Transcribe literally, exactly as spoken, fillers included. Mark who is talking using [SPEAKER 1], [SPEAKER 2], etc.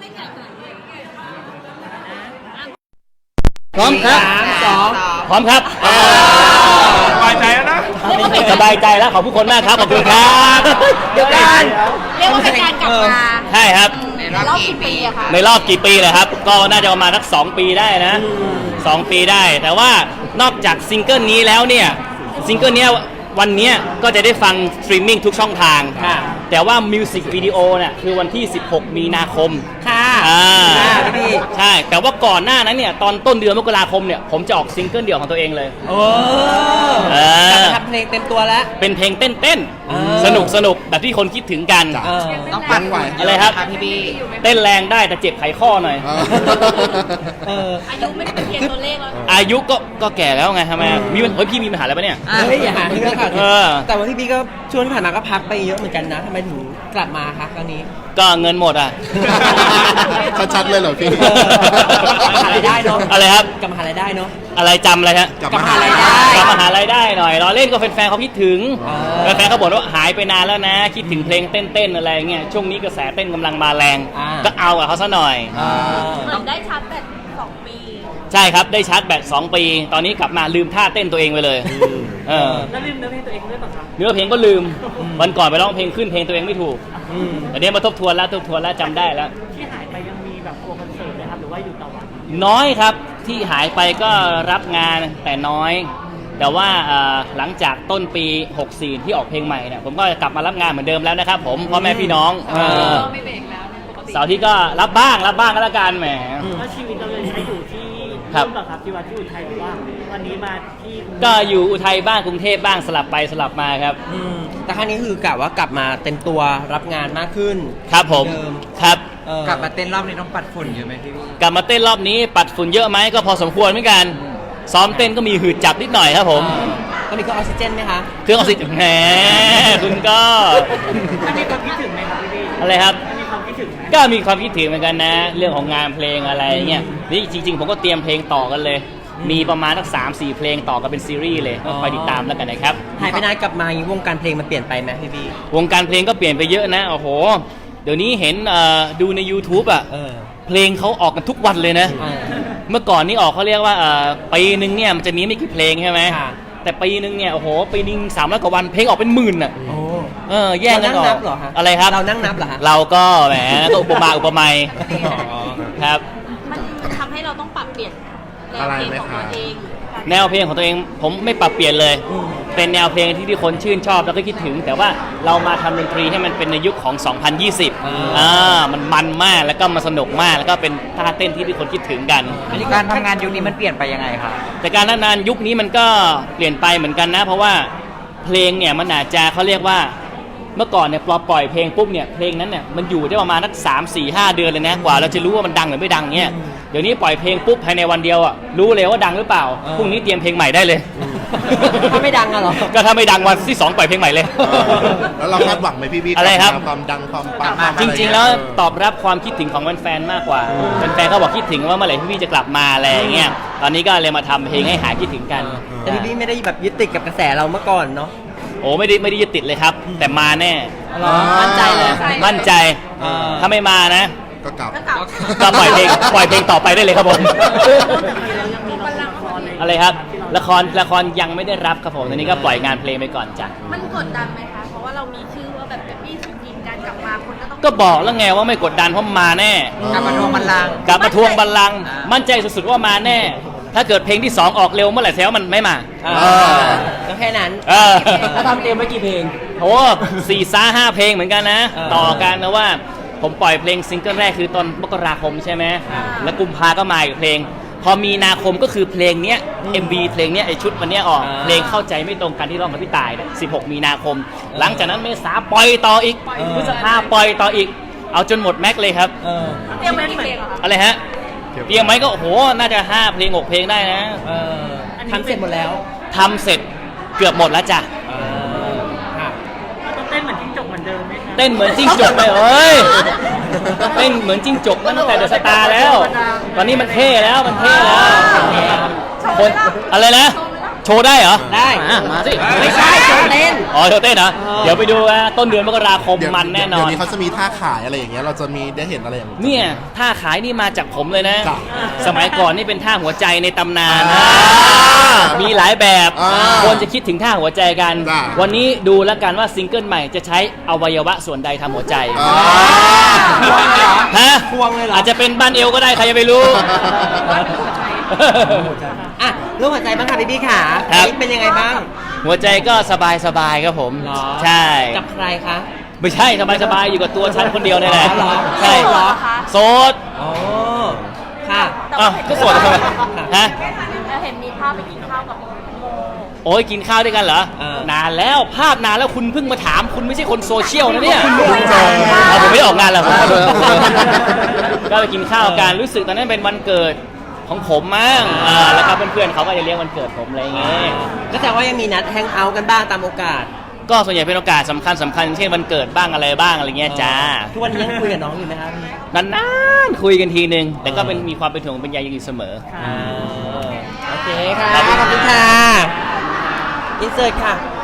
[SPEAKER 1] พร้อมครับสองพร้อมครับ
[SPEAKER 2] สบายใจแล้วนะ
[SPEAKER 1] สบายใจแล้วขอบผู้คนมากครับขอบคุณครับเดี๋ยวกัน
[SPEAKER 3] เรียกว่าเป็นการกลับมา
[SPEAKER 1] ใช่ครับ
[SPEAKER 3] ในรอบกี่ปีอะคะ
[SPEAKER 1] ในรอบกี่ปีเลยครับก็น่าจะประมาณสักสองปีได้นะสองปีได้แต่ว่านอกจากซิงเกิลนี้แล้วเนี่ยซิงเกิลนี้วันนี้ก็จะได้ฟังสตรีมมิ่งทุกช่องทางแต่ว่ามิวสิกวิดีโอเนี่ยคือวันที่สิบหกมีนาคม
[SPEAKER 4] ค่ะ
[SPEAKER 1] อ่าใช่แต่ว่าก่อนหน้านั้นเนี่ยตอนต้นเดือนมกราคมเนี่ยผมจะออกซิงเกิลเดี่ยวของตัวเองเลย
[SPEAKER 4] โอ้ทำเพลงเต็มตัวแล้ว
[SPEAKER 1] เป็นเพลงเต้นเต้นสนุกสนุกแบบที่คนคิดถึงกัน
[SPEAKER 4] ต้องปั่นไหว
[SPEAKER 1] อะไรครับพี่บีเต้นแรงได้แต่เจ็บไขข้อหน่อย
[SPEAKER 3] อายุไม่ได้เป็นเพียงตัวเลขแล้ว
[SPEAKER 1] อายุก็ก็แก่แล้วไงทำไมมีเฮ้ยพี่มีปัญหาอะไรปะเนี่ย
[SPEAKER 4] เฮ้ยอย่าหาเรื่องค่ะแต่ว่าพี่บีก็ช่วงที่ผ่านมาก็พักไปเยอะเหมือนกันนะทำไมถึงกลับมาคะครั้งนี้
[SPEAKER 1] ก็เงินหมดอ่ะ
[SPEAKER 5] ชัดๆเลยเหรอพี่
[SPEAKER 4] กลับมหาลัยได้เนาะ
[SPEAKER 1] อะไรครับ
[SPEAKER 4] กลับมหาลัยได้เนาะ
[SPEAKER 1] อะไรจำอะไรฮะ
[SPEAKER 4] กลับมหาลัยได้
[SPEAKER 1] กลับมหาลัยได้หน่อยรอเล่นก็แฟนๆเขาคิดถึงแฟนๆเขาบอกว่าหายไปนานแล้วนะคิดถึงเพลงเต้นๆอะไรเงี้ยช่วงนี้กระแสเต้นกำลังมาแรงก็เอากับเขาซะหน่อย
[SPEAKER 3] เหมือนได้ชาร์จแบตสองปี
[SPEAKER 1] ใช่ครับได้ชาร์จแบตสองปีตอนนี้กลับมาลืมท่าเต้นตัวเองไปเลย
[SPEAKER 4] เออแล้วลืมเนื้อเพลงตัวเองด้วยป่ะครับ
[SPEAKER 1] เนื้อเพลงก็ลืมวันก่อนไปร้องเพลงขึ้นเพลงตัวเองไม่ถูกแต่เนี้ยมาทบทวนแล้วทบทวนแล้วจำได้แล้ว
[SPEAKER 4] ที่หายไปยังมีแบบโปรคอนเสิร์ตไหมครับหรือว่าอยู่ต่อวัน
[SPEAKER 1] น้อยครับที่หายไปก็รับงานแต่น้อยแต่ว่าหลังจากต้นปีหกสี่ที่ออกเพลงใหม่เนี่ยผมก็กลับมารับงานเหมือนเดิมแล้วนะครับผมพ่อแม่พี่น้อง
[SPEAKER 3] ไม่เบรกแล้ว
[SPEAKER 1] เสาร์ที่ก็รับบ้างรับบ้างก็แล้วกันแหม
[SPEAKER 4] แล้วชีวิตเราเลยใช้อยู่ที่ครับครับที่ว่าที่อุทัยหรือว่าวันนี้มาที่
[SPEAKER 1] ก็อยู่อุทัยบ้างกรุงเทพบ้างสลับไปสลับมาครับ
[SPEAKER 4] แต่ครั้งนี้คือกะว่ากลับมาเต็มตัวรับงานมากขึ้น
[SPEAKER 1] ครับผมครับ
[SPEAKER 4] กลับมาเต้นรอบนี้ต้องปัดฝุ่นเยอะไหมพี่
[SPEAKER 1] กลับมาเต้นรอบนี้ปัดฝุ่นเยอะไหมก็พอสมควรเหมือนกันซ้อมเต้นก็มีหืดจับนิดหน่อยครับผม
[SPEAKER 4] ก็มีเครื่องออกซิเจนไหมคะ
[SPEAKER 1] เครื่องออกซิเจนแหมคุณก็
[SPEAKER 4] มีความคิดถึงไหมครับพี่
[SPEAKER 1] อะไรครับ
[SPEAKER 4] มีความคิดถึงไหม
[SPEAKER 1] ก็มีความคิดถึงเหมือนกันนะเรื่องของงานเพลงอะไรเงี้ยนี่จริงๆผมก็เตรียมเพลงต่อกันเลยมีประมาณสักสามสี่เพลงต่อกันเป็นซีรีส์เลยก็คอยติดตามแล้วกันนะครับ
[SPEAKER 4] หายไปนานกลับมาวงการเพลงมันเปลี่ยนไปไหมพี่บี
[SPEAKER 1] วงการเพลงก็เปลี่ยนไปเยอะนะโอ้โหเดี๋ยวนี้เห็นดูใน YouTube อ่ะเพลงเขาออกกันทุกวันเลยนะเมื่อก่อนนี่ออกเขาเรียกว่าปีนึงเนี่ยมันจะมีไม่กี่เพลงใช่ไหมแต่ปีนึงเนี่ยโอ้โหปีนึงสามร้อยกว่าวันเพลงออกเป็นหมื่นอ่ะเออแย่งกันออกอะไรครับ
[SPEAKER 4] เรานั่งนับเหรอ
[SPEAKER 1] เราก็แหมก็อุปมาอุปไมยครับ
[SPEAKER 3] มันทำให้เราต้องปรับเปลี่ยนแนวเพลงของตัวเอง
[SPEAKER 1] แนวเพลงของตัวเองผมไม่ปรับเปลี่ยนเลยเป็นแนวเพลงที่ที่คนชื่นชอบแล้วก็คิดถึงแต่ว่าเรามาทำดนตรีให้มันเป็นในยุคของสองพันยี่สิบอ่ามันมันมากแล้วก็มันสนุกมากแล้วก็เป็นท่าเต้นที่ที่คนคิดถึงกัน
[SPEAKER 4] อันนี้การทำงานยุคนี้มันเปลี่ยนไปยังไงครับ
[SPEAKER 1] แต่การทำงานยุคนี้มันก็เปลี่ยนไปเหมือนกันนะเพราะว่าเพลงเนี่ยมันอาจจะเขาเรียกว่าเมื่อก่อนเนี่ยพอปล่อยเพลงปุ๊บเนี่ยเพลงนั้นเนี่ยมันอยู่ได้ประมาณสักสามสี่ห้าเดือนเลยนะกว่าเราจะรู้ว่ามันดังหรือไม่ดังเนี่ยเดี๋ยวนี้ปล่อยเพลงปุ๊บภายในวันเดียวอ่ะรู้เลยว่าดังหรือเปล่าพรุ่งนี้เตรียมเพลงใหม่ได้เลย
[SPEAKER 4] ถ้าไม่ดังอะหรอ
[SPEAKER 1] ก็ถ้าไม่ดังวันที่สองปล่อยเพลงใหม่เลย
[SPEAKER 5] แล้วเราคาดหวังไหมพี่พี่
[SPEAKER 1] อะไรครับ
[SPEAKER 5] ความดังความปัง
[SPEAKER 1] จริงๆแล้วตอบรับความคิดถึงของแฟนๆมากกว่าแฟนๆเขาบอกคิดถึงว่าเมื่อไหร่พี่พี่จะกลับมาอะไรอย่างเงี้ยตอนนี้ก็เลยมาทำเพลงให้หายคิดถึงกัน
[SPEAKER 4] แต่พี่พี่ไม่ได้แบบยึดติดกับกระแสเราเมื่อก่อนเนาะ
[SPEAKER 1] โอ้ไม่ได้ไม่ได้ยึดติดเลยครับแต่มาแน่
[SPEAKER 4] มั่นใจเลย
[SPEAKER 1] มั่นใจถ้าไม่มานะ
[SPEAKER 5] ก็กลับ
[SPEAKER 1] ก็ปล่อยเพลงปล่อยเพลงต่อไปได้เลยครับผมอะไรครับละครละครยังไม่ได้รับครับผมตอนนี้ก็ปล่อยงานเพลงไปก่อนจ้ะ
[SPEAKER 3] มันกดดันไหมคะเพราะว่าเรามีชื่อว่าแบบเป็นพี่สุกินการกลับมาคนก็ต้อง
[SPEAKER 1] ก็บอกแล้วไงว่าไม่กดดันเพราะมาแน่
[SPEAKER 4] กลับมาทวงบัลลังก์
[SPEAKER 1] กลับมาทวงบัลลังก์มั่นใจสุดๆว่ามาแน่ถ้าเกิดเพลงที่สองออกเร็วเมื่อไหร่แซวมันไม่มา
[SPEAKER 4] ก็แค่นั้น
[SPEAKER 1] แล้ว
[SPEAKER 4] ทำเต็มไว้กี่เพลง
[SPEAKER 1] โอ้สี่ซ่าห้าเพลงเหมือนกันนะต่อกันนะว่าผมปล่อยเพลงซิงเกิลแรกคือตอนมกราคมใช่ไหมแล้วกุมภาก็มาอีกเพลงพอมีนาคมก็คือเพลงเนี้ย เอ็ม วี เพลงเนี้ยไอชุดวันเนี้ยออกเพลงเข้าใจไม่ตรงกันที่ร้องกับพี่ต่ายเนี่ยสิบหกมีนาคมหลังจากนั้นเมษาปล่อยต่ออีกพฤษภาปล่อยต่ออีกเอาจนหมดแม็กเลยครับ
[SPEAKER 3] เตรียมไว้กี่เพลงคะ
[SPEAKER 1] อะไรฮะเตรียมไหมก็โอ้โหน่าจะห้าเพลงหกเพลงได้นะ
[SPEAKER 4] ทำเสร็จหมดแล้ว
[SPEAKER 1] ทำเสร็จเกือบหมดแล้วจ้ะ
[SPEAKER 4] ต้องเต้นเหมือนจิ้งจกเหมือนเดิมไหม
[SPEAKER 1] เต้นเหมือนจิ้งจกไปเอ้ยเต้นเหมือนจิ้งจกตั้งแต่เดอะสตาร์แล้วตอนนี้มันเท่แล้วมันเท่แล้วคนอะไรนะโชว์ได้เหรอ
[SPEAKER 4] ได้
[SPEAKER 1] อ่ะมาสิ
[SPEAKER 4] ไม่ใช่โชว์เต้น
[SPEAKER 1] อ๋อโชว์เต้นเหรอ
[SPEAKER 4] เออ
[SPEAKER 1] เดี๋ยวไปดูนะต้นเดือนมกราคม
[SPEAKER 5] เดี๋ยว
[SPEAKER 1] มันแน่นอ
[SPEAKER 5] เดี๋ยวน นี้เขาจะมีท่าขายอะไรอย่างเงี้ยเราจะมีได้เห็นอะไรอย่างเงี้ย
[SPEAKER 1] เนี่ยท่าขายนี่มาจากผมเลยนะ
[SPEAKER 5] จ้ะ
[SPEAKER 1] สมัยก่อนนี่เป็นท่าหัวใจในตำนาน
[SPEAKER 5] อ่า
[SPEAKER 1] มีหลายแบบ
[SPEAKER 5] อ่า
[SPEAKER 1] คนจะคิดถึงท่าหัวใจกัน
[SPEAKER 5] จ้ะ
[SPEAKER 1] วันนี้ดูแล้วกันว่าซิงเกิลใหม่จะใช้อวัยวะส่วนใดทำหัวใจ
[SPEAKER 5] อ่า
[SPEAKER 1] ฮะ
[SPEAKER 4] ควงเลยเหรอ
[SPEAKER 1] อาจจะเป็นบ้านเอวก็ได้ใครจะไปรู้
[SPEAKER 4] อ่ะเรื่องหัวใจบ้างค่ะพี่บี้ขา
[SPEAKER 1] ครับ
[SPEAKER 4] เป็นยังไงบ้าง
[SPEAKER 1] หัวใจก็สบายสบายๆครับผม
[SPEAKER 4] เหรอ
[SPEAKER 1] ใช่
[SPEAKER 4] กับใครคะ
[SPEAKER 1] ไม่ใช่สบายสบายๆอยู่กับตัวฉันคนเดียวนี่แหละ
[SPEAKER 4] เหรอ
[SPEAKER 1] ใช่
[SPEAKER 4] เหรอ
[SPEAKER 1] โสด
[SPEAKER 4] อ๋อค่ะ
[SPEAKER 1] อ้าวก็โสดทำไมฮะ
[SPEAKER 3] เราเห็นมีภาพไปกินข้าวกับโม
[SPEAKER 1] โอ้ยกินข้าวด้วยกันเหรอ
[SPEAKER 4] เออ
[SPEAKER 1] นานแล้วภาพนานแล้วคุณเพิ่งมาถามคุณไม่ใช่คนโซเชียลนะเนี่ย
[SPEAKER 5] คุณเพิ่งเจอ
[SPEAKER 1] เอาผมไม่ได้ออกงานแล้วผมขอโทษก็ไปกินข้าวกันรู้สึกตอนนั้นเป็นวันเกิดของผมมั้งอ่าแล้วก็เพื่อนๆเขาก็จะเลี้ยงวันเกิดผมอะไรอย่างเงี้ย
[SPEAKER 4] ก็แต่ว่ายังมีนัดแฮงเอาท์กันบ้างตามโอกาส
[SPEAKER 1] ก็ส่วนใหญ่เป็นโอกาสสำคัญสำคัญเช่นวันเกิดบ้างอะไรบ้างอะไรเงี้ยจ้า
[SPEAKER 4] ทุกวันนี้ยังคุยกับน้องอยู่ไหมครับพี่
[SPEAKER 1] นานๆคุยกันทีนึง แต่ก็เป็นมีความเป็นห่วงเป็นใยอยู่เสมอ
[SPEAKER 4] อ่าโอเคค่ะ
[SPEAKER 1] ครับ
[SPEAKER 4] ขอบคุณค่ะ อินเสิร์ตค่ะ